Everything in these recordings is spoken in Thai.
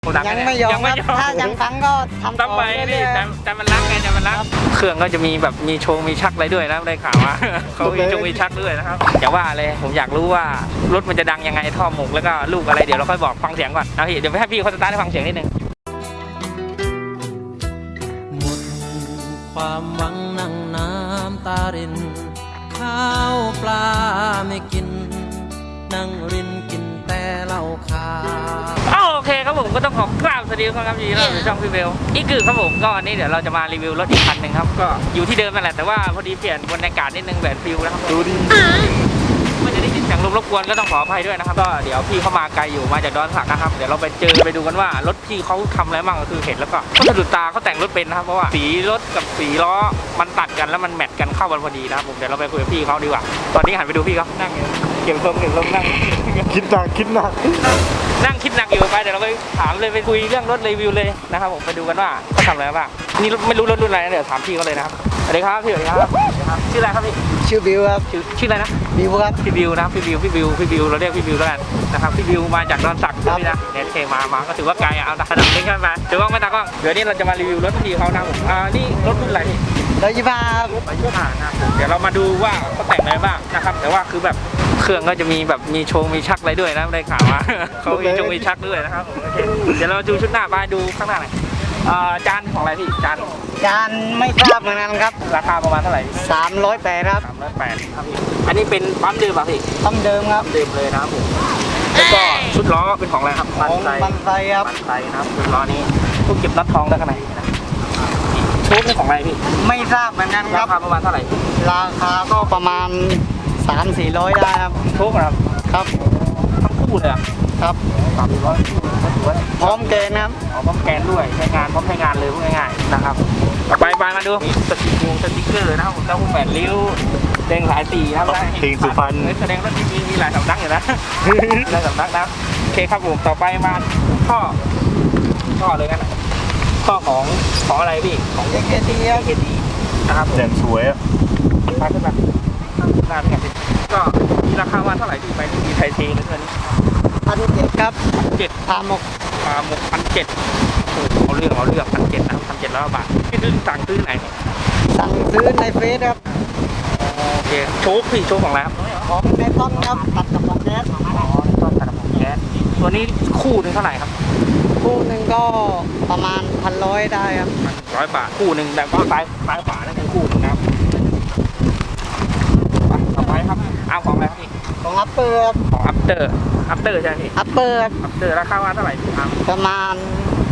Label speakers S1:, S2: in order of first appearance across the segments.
S1: ยังไม่ยอมครับถ้ายังฟังก็ทำต่อไปเรื่อยๆ
S2: แต่มันรักไงแต่มันรักเครื่องก็จะมีแบบมีโชว์มีชักอะไรด้วยนะได้ข่าวว่าเขามีโชว์มีชักด้วยนะครับอย่าว่าเลยผมอยากรู้ว่ารถมันจะดังยังไงท่อหมกแล้วก็ลูกอะไรเดี๋ยวเราค่อยบอกฟังเสียงก่อนนะพี่เดี๋ยวให้พี่เขาสตาร์ทให้ฟังเสียงนิดนึง
S3: หมดความหวังนั่งน้ำตารินข้าวปลาไม่กินนั่งรินกินแต่เหล้าขาว
S2: โอเคครับผมก็ต้องขอกราบสวัสดีครับยินดีต้อนรับสู่ช่องพี่เบลอีกคือครับผมก็วันนี้เดี๋ยวเราจะมารีวิวรถอีกคันหนึ่งครับก็อยู่ที่เดิมนั่นแหละแต่ว่าพอดีเปลี่ยนบรรยากาศนิดนึงแบบฟิลนะครับดูดิมันจะได้ยินเสียงลมรบกวนก็ต้องขออภัยด้วยนะครับก็เดี๋ยวพี่เข้ามาไกลอยู่มาจากดอนสักนะครับเดี๋ยวเราไปดูกันว่ารถพี่เขาทำอะไรบ้างก็คือเห็นแล้วก็สะดุดตาเขาแต่งรถเป็นนะครับเพราะว่าสีรถกับสีล้อมันตัดกันแล้วมันแมทกันเข้ากันพอดีนะครับผมเดี๋ยวเราไปคุยกับพี่เขาดีกว่าตอนนี้หันไปดูพี่เขานั่งเก็บลมนั่ง
S4: คิดหนัก
S2: นั่งคิดหนักอยู่ไปเดี๋ยวเราไปถามเลยไปคุยเรื่องรถรีวิวเลยนะครับผมไปดูกันว่าเขาทำอะไรบ้างนี่ไม่รู้รถรุ่นอะไรนะเดี๋ยวถามพี่เขาเลยนะครับสวัสดีครับพี่สวัสดีครับชื่ออะไรครับพี่
S1: ชื่อบิวครับ
S2: ชื่ออะไรนะ
S1: บิวครับ
S2: พี่บิวนะพี่บิวเราเรียกพี่บิวแล้วกันนะครับพี่บิวมาจากดอนสักนี่นะเน็ตเคมาก็ถือว่าไกลเอาระดับเล็กขึ้นมาถือว่าไม่ตากล้องเดี๋ยวนี้เราจะมารีวิวรถพี่เขานะผมนี่รถรุ่นอะไรพี่
S1: 125
S2: นะเดี๋ยวเรามาดูว่าเขาแต่งอะไรบ้างนะครับแต่ว่าคือแบบเครื่องก็จะมีแบบมีโชว์มีชักอะไรด้วยนะได้ข่าวว่าเขามีโชว์มีชักด้วยนะครับโอเคเดี๋ยวเราดูชุดหน้าไปดูข้างหน้าหน่อยจานของอะไรพี่จาน
S1: ไม่ทราบเหมือนกันครับ
S2: ราคาประมาณเท่าไหร่
S1: 308ครับ
S2: 308ครับพี่อันนี้เป็นปั๊มเดิมป่ะพี่
S1: ปั๊มเดิมครับ
S2: เดิมเลยนะครับผมแล้วก็ชุดล้อเป็นของอะไรครับ
S1: บันไซครับ
S2: บันไซนะครับชุดล้อนี้พวกเก็บน็อตทองได้ขนาดไหนนะชุดนี่ของอะไรพี่
S1: ไม่ทราบเหมือนกันครับ
S2: ราคาประมาณเท่าไหร่
S1: ราคาก็ประมาณ300-400ได้ครับ
S2: ชุดครับ
S1: ครับ
S2: ทั้งคู่เลย
S1: ครับ
S2: 300
S1: พร้อมเกณฑ์ครับ
S2: พร้อมแกนด้วยใช้งานพร้อมใช้งานเลยพูดง่ายๆนะครับต่อไปมาดูสติ๊กเกอร์นะครับผมเจ้าผู้แปดริ้วเด้งหลายสีครับ
S4: เพลงสุพรรณ
S2: แสดงว่ามีหลายสำนักอยู่นะหลายสำนักนะโอเคครับผมต่อไปมาข้อเลยกันข้อของอะไรพี่ของ
S1: KT
S2: นะครับ
S4: แจ่มสวยอ่ะ
S2: มาขึ้นมาหน้าเป็นไงก็มีราคาวันเท่าไหร่ที่ไปมีไทยเทนะตัวนี้
S1: 1,700ครับ
S2: พาหมก1,700เอาเรื่อง1,700นะครับ1,700 บาทพี่สั่งซื้อไหน
S1: สั่งซื้อในเฟซครับ
S2: โอเคโชคของอะไรครับ
S1: ของในต้นครับตัดกับของแก๊ส
S2: ต้นตัดกับของแก๊สตัวนี้คู่นึงเท่าไหร่ครับ
S1: คู่หนึ่งก็ประมาณ1,100ได้ครับ
S2: 100 บาทคู่หนึ่งแต่ว่าซ้ายขวานั่นคือคู่นึงนะครับต่อไปครับเอาของอะไรครับพี่
S1: ของอัปเปอร์
S2: ของอัปเตอร์ใช่ไหมพี่
S1: อัปเปอร์
S2: ราคาว่าเท่าไหร่พี่ครับ
S1: ประมาณ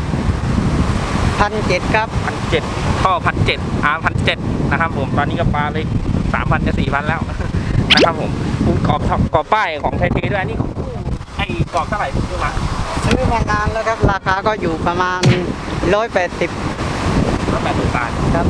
S1: 1,700ครับ
S2: 1,700ท่อ1,700นะครับผมตอนนี้ก็ปลาเลย3,000จะ4,000แล้วนะครับผมคุณกรอบป้ายของไทยเทด้วยอันนี้ของไอ้กรอบเท่าไหร่ซื้อ
S1: มานานแล้วครับราคาก็อยู่ประมาณ180
S2: บาท
S1: ครับ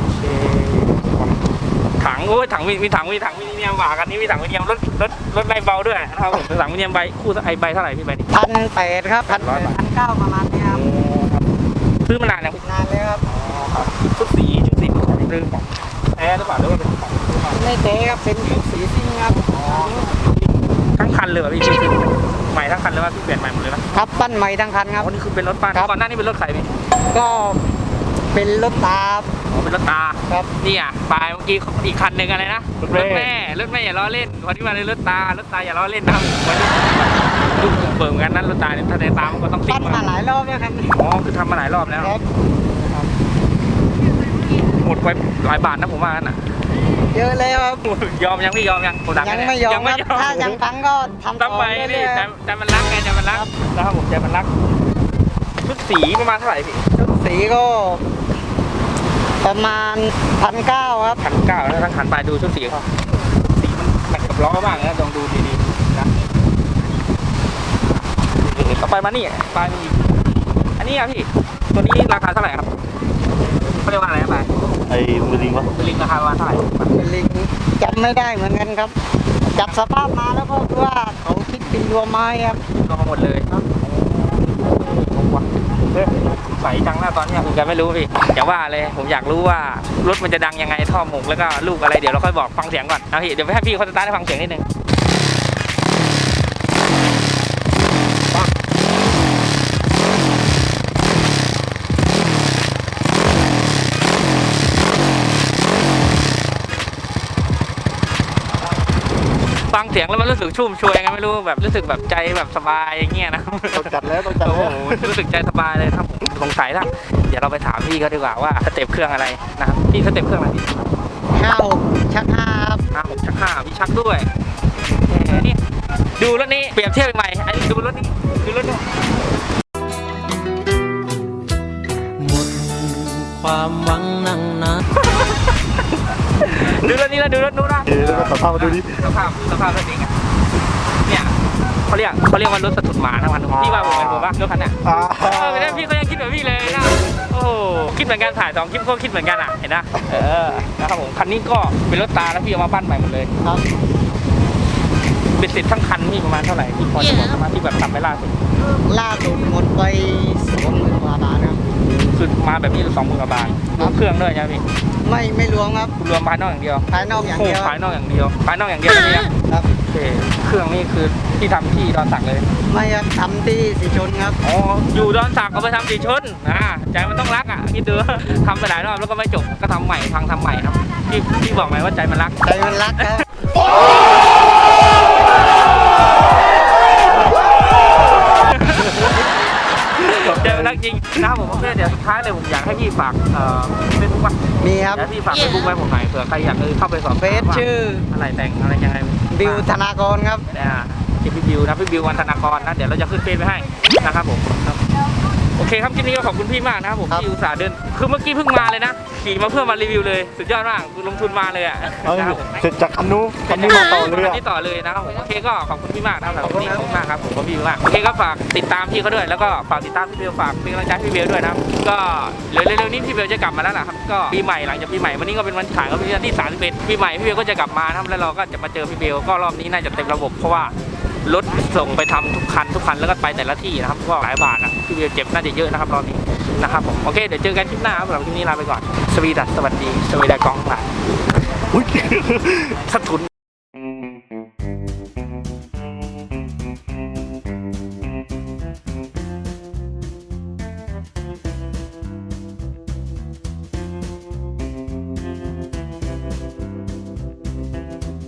S2: ถังมีถังมินิเนียมหวากันนี่มีถังมินิเนียมรถใบเบาด้วยนะครับผมถังมินิเนียมใบคู่ไอใบเท่าไหร่พี่ใบนี้
S1: 1,800ครับ1,900ประมาณนี้ครับ
S2: ซื้อมานานแล้ว
S1: นานแล้วครับ
S2: ชุดสีเรื่องของแท้หรือเปล่าหรือว่าเป็นของ
S1: ไม่แท้ครับเป็นชุดสีซิ่งครับ
S2: ทั้งคันเลยป่ะพี่ใหม่ทั้งคันเลยว่าพี่เปลี่ยนใหม่หมดเลยนะครับ
S1: ปั้นใหม่ทั้งคันครับ
S2: นี่คือเป็นรถปั้นก่อนหน้านี้เป็นรถใครพี่
S1: ก็เป็นรถตา
S2: เป็นรถตา
S1: ครับ
S2: นี่อ่ะปลายเมื่อกี้อีกคันหนึ่งอะไรนะรถแม่อย่าล้อเล่นวันที่มาเลยรถตาอย่าล้อเล่นนะครับวันนี้ลูกเปิดกันนั้นรถตาเนี่ยถ้าในตามันก็ต้อง
S1: ปั้นมาหลายรอบแล้วครับ
S2: คือทำมาหลายรอบแล้วหมดไปหลายบาทนะผมว่าน่ะ
S1: เยอะเลยครับ
S2: ยอมยังพี่ยอมยัง
S1: ยังไม่ยอมถ้ายังฟังก็ทำต่อ
S2: ไปนี่แต่มันรักไงแต่มันรักนะครับผมใจมันรักชุดสีประมาณเท่าไหร่พี่
S1: ชุดสีก็ประมาณ1,900ครับ
S2: 1,900แล้วทั้งขันไปดูชุดสีเขาสีมันแมทกับล้อบ้างนะลองดูดีๆนะต่อไปมานี่ปลายมีอันนี้อ่ะพี่ตัวนี้ราคาเท่าไหร่ครับเขาเรียกว่าอะไรไป
S4: ไอ้มือลิงวะ
S2: มือลิงราคาประมาณเท่าไหร่
S1: มือลิงจำไม่ได้เหมือนกันครับจับสภาพมาแล้วก็คือว่าเขาคิดเป็นรวมไม้ครับ
S2: รวมมาหมดเลยครับใส่จังหน้าตอนนี้ผมก็ไม่รู้พี่อย่าว่าเลยผมอยากรู้ว่ารถมันจะดังยังไงท่อหมกแล้วก็ลูกอะไรเดี๋ยวเราค่อยบอกฟังเสียงก่อนนะพี่เดี๋ยวให้พี่เขาสตาร์ทให้ฟังเสียงนิดนึงสียงแล้วมันรู้สึกชุ่มชวยไงไม่รู้แบบรู้สึกแบบใจแบบสบายอย่างเงี้ยนะ
S4: ต้องจัดแล้วต้องจัด
S2: โอ้โห
S4: แล้ว
S2: รู้สึกใจสบายเลยครับผมสงสัยแล้วเดี๋ยวเราไปถามพี่เขาดีกว่าว่าสเต็ปเครื่องอะไรนะครับพี่สเต็ปเครื่องอะไรพี่
S1: 56 ชัก 5 ครับ
S2: 5 6 ชัก 5พี่ชักด้วยนี่ดูรถนี้เปรียบเทียบใหม่ไอ้ดูรถนี้ดูรถนี้
S3: หมดความหวังนั่งน้ำ
S2: ดูรถนี้แล้วดูรถนู้นนะ
S4: เดี๋ยวเราสภาพมาดูดิ
S2: สภาพรถนี้ไงเนี่ยเขาเรียกว่ารถสะทุนหมาทั้งวันพี่ว่าผมเป็นผมว่ารถคันเนี้ย ไม่ได้พี่ก็ยังคิดแบบพี่เลยนะโอ้โหคิดเหมือนกันถ่าย2 คลิปก็คิดเหมือนกันอ่ะเห็นนะนะครับผมคันนี้ก็เป็นรถตาแล้วพี่เอามาปั้นใหม่หมดเลย
S1: ครับ
S2: เป็นสิทธิ์ทั้งคันพี่ประมาณเท่าไหร่พี่พอจะบอกประมาณที่แบบทำไปล่าสุด
S1: ล่าสุดหมดไป20,000 กว่าบาทครับ
S2: คือมาแบบนี้20,000 กว่าบาทรวมเครื่องด้วยใช่ไหมพี่
S1: ไม่รวมครับ
S2: คุณรวมภายนอกอย่างเดียว
S1: ภายนอกอย่างเดียว
S2: โภายนอกอย่างเดียวภายนอกอย่างเดียวนี่นะครับ โอเคเครื่องนี่คือที่ทำที่ดอนสักเลย
S1: ไม่ครับทำที่สีชนครับ
S2: อ๋ออยู่ดอนสักเอาไปทำสีชนใจมันต้องรักอ่ะคิดดูทำไปหลายรอบแล้วก็ไม่จบก็ทำใหม่พังทำใหม่ครับพี่บอกไหมว่าใจมันรัก
S1: ใจมันรักครับ
S2: ใจมันรักจริงนะครับผมโอเคเดี๋ยวสุดท้ายเลยผมอยากให้พี่ฝากเฟซบุ๊กว่า
S1: มีครับ
S2: เดี๋ยวพี่ฝากเฟซบุ๊กไว้ผมหน่อยเผื่อใครอยากเข้าไปสอบ
S1: เฟซชื่อ
S2: อะไรแต่งอะไรยังไง
S1: บิวธนากรครับ
S2: ชื่อพี่บิวนะพี่บิววันธนากรนะเดี๋ยวเราจะขึ้นเฟซไว้ให้นะครับผมครับโอเคครับคลิปนี้ก็ขอบคุณพี่มากนะครับผม
S1: ครับ
S2: ที่อุตส่าห์เดินคือเมื่อกี้เพิ่งมาเลยนะขี่มาเพื่อมารีวิวเลยสุดยอดมากคือลงทุนมาเลยอ่ะ
S4: เอา
S2: นะครับผม
S4: เสร็จจากคันนู้นมาต่อเลย
S2: อั
S4: อะ
S2: นนี้ต่อเลยนะครับผมโอเคก็ขอบคุณพี่มากนะครับสำหรับวันนี้ขอบคุณมากครับผมก็พี่มากโอเคก็ฝากติดตามพี่เขาด้วยแล้วก็ฝากติดตามพี่เบลฝากเป็นกำลังใจให้พี่เบลด้วยนะครับก็เร็วๆนี้พี่เบลจะกลับมาแล้วนะครับก็ปีใหม่หลังจากปีใหม่วันนี้ก็เป็นวันถ่ายก็เป็นวันที่31ปีใหม่พี่เบลก็จะกลับมานะครับแล้วเราก็จะมาเจอพี่เบลก็รอบนี้น่าจะเต็มระบบเพราะว่ารถส่งไปทำทุกคันแล้วก็ไปแต่ละที่นะครับก็หลายบาทนะพี่เบลเจ็บน่าจะเยอะนะครับรอบนี้นะครับผมโอเคเดี๋ยวเจอกันคลิปหน้าครับสำหรับคลิปนี้ลาไปก่อนสวีดัสสวัสดีสวีดากองหลาย
S4: อุ๊ย
S2: สะทุน